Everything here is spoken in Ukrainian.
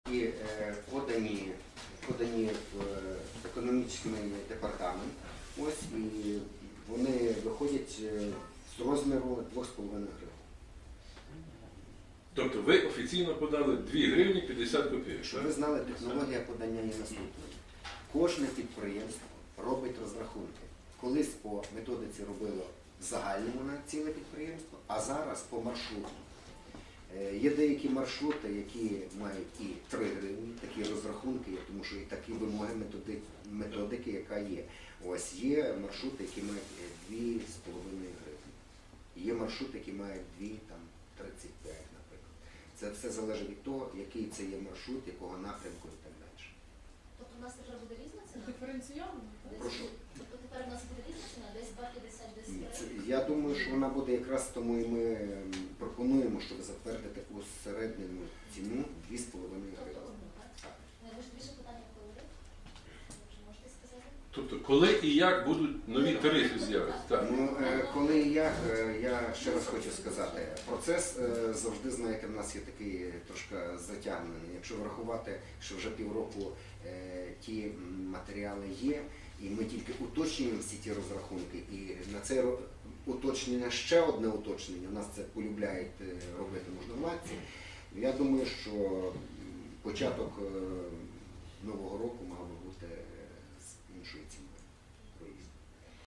І подані в економічний департамент, ось, і вони виходять з розміру 2,5 гривень. Тобто ви офіційно подали 2 гривні 50 копійок? Щоб ви знали, технологія подання є наступною. Кожне підприємство робить розрахунки. Колись по методиці робило в загальному на ціле підприємство, а зараз по маршруту. Є деякі маршрути, які мають і 3 гривні, такі розрахунки є, тому що і такі вимоги методики, яка є. Ось є маршрути, які мають 2,5 гривні. Є маршрути, які мають 2,35, наприклад. Це все залежить від того, який це є маршрут, якого напрямку і так далі. Тобто у нас тепер буде різна ціна? Диференційовано? Прошу. Тобто тепер у нас буде різна ціна? Десь 2,50, десь 3? Я думаю, що вона буде якраз тому і ми пропонуємо, щоб затвердити усереднену ціну 2,5 гривень. Тобто одну, так? Може більше питання коли? Чи можете сказати? Тобто коли і як будуть нові тарифи з'явитися? Ну, коли і як, я ще раз хочу сказати, процес завжди, знаєте, в нас є такий трошки затягнений. Якщо врахувати, що вже півроку ті матеріали є, і ми тільки уточнюємо всі ті розрахунки, і на це уточнення ще одне уточнення, у нас це полюбляють робити можновладці. Я думаю, що початок нового року мав би бути з іншої ціни.